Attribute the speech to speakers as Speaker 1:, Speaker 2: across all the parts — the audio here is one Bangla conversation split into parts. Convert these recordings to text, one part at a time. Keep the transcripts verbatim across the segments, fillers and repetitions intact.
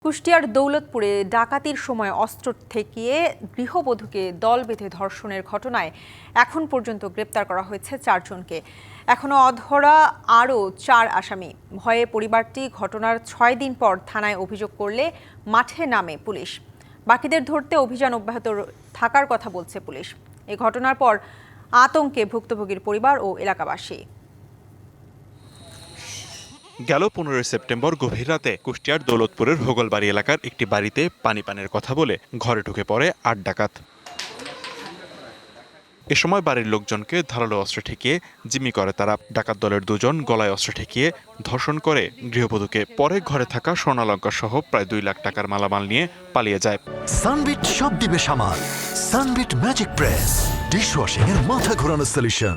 Speaker 1: কুষ্টিয়ার দৌলতপুরে ডাকাতির সময় অস্ত্র ঠেকিয়ে গৃহবধূকে দল বেঁধে ধর্ষণের ঘটনায় এখন পর্যন্ত গ্রেপ্তার করা হয়েছে চারজনকে। এখনো অধরা আরও চার আসামি। ভয়ে পরিবারটি ঘটনার ছয় দিন পর থানায় অভিযোগ করলে মাঠে নামে পুলিশ। বাকিদের ধরতে অভিযান অব্যাহত থাকার কথা বলছে পুলিশ। এই ঘটনার পর আতঙ্কে ভুক্তভোগীর পরিবার ও এলাকাবাসী।
Speaker 2: গেল পনেরোই সেপ্টেম্বর গভীর রাতে কুষ্টিয়ার দৌলতপুরের হোগলবাড়ি এলাকার একটি বাড়িতে পানি পানের কথা বলে ঘরে ঢুকে পড়ে আট ডাকাত। এ সময় বাড়ির লোকজনকে ধারালো অস্ত্র ঠেকিয়ে জিম্মি করে তারা। ডাকাত দলের দুজন গলায় অস্ত্র ঠেকিয়ে ধর্ষণ করে গৃহবধূকে। পরে ঘরে থাকা স্বর্ণালঙ্কার সহ প্রায় দুই লাখ টাকার মালামাল নিয়ে পালিয়ে যায়।
Speaker 3: সানবিট সব দিবে সামাল। সানবিট ম্যাজিক প্রেস ডিশওয়াশিং এর মাথা ঘোরানো সলিউশন।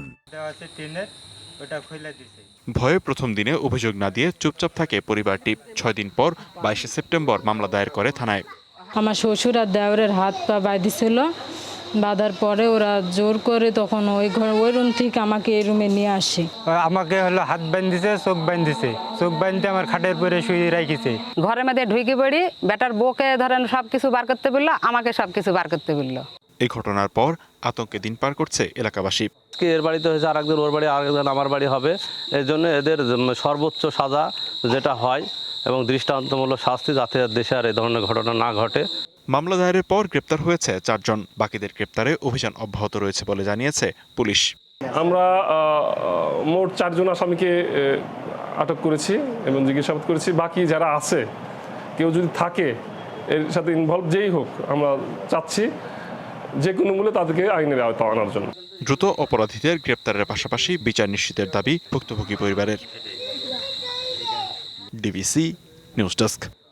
Speaker 2: ভয়ে প্রথম দিনে অভিযোগ না দিয়ে চুপচাপ থাকে পরিবারটি। ছয় দিন পর বাইশে সেপ্টেম্বর মামলা দায়ের করে থানায়।
Speaker 4: আমার শ্বশুর আর দেওরের হাত পা বাঁধিছিল, বাঁধার পরে ওরা জোর করে তখন ওই ঘর ওই রুম থেকে আমাকে এই রুমে নিয়ে আসে।
Speaker 5: আমাকে হলো হাত বাঁধিছে, চোখ বাঁধিছে, চোখ বাঁধতে আমার খাটের পরে শুয়ে রাখিছে।
Speaker 6: ঘরের মধ্যে ঢুকে পড়ি, বেটার বউকে ধরেন সব কিছু বার করতে বললো, আমাকে সব কিছু বার করতে বললো।
Speaker 2: এই ঘটনার পর আতঙ্কে দিন পার করছে এলাকাবাসী।
Speaker 7: এর বাড়িতে হয়েছে, আর একজন ওর বাড়ি, আর একজন আমার বাড়ি হবে। এই জন্য এদের সর্বোচ্চ সাজা যেটা হয় এবং দৃষ্টান্তমূলক শাস্তি, যাতে দেশে আর এই ধরনের ঘটনা না ঘটে।
Speaker 2: মামলা দায়েরের পর গ্রেপ্তার হয়েছে চারজন। বাকিদের গ্রেপ্তারে অভিযান অব্যাহত রয়েছে বলে জানিয়েছে পুলিশ।
Speaker 8: আমরা মোট চারজন আসামিকে আটক করেছি এবং জিজ্ঞাসাবাদ করেছি। বাকি যারা আছে, কেউ যদি থাকে এর সাথে ইনভলভ যেই হোক, আমরা চাচ্ছি যে কোনো মূল্যে তাদেরকে আইনের আওতায় আনার জন্য।
Speaker 2: দ্রুত অপরাধীদের গ্রেপ্তারের পাশাপাশি বিচার নিশ্চিতের দাবি ভুক্তভোগী পরিবারের। DBC news desk.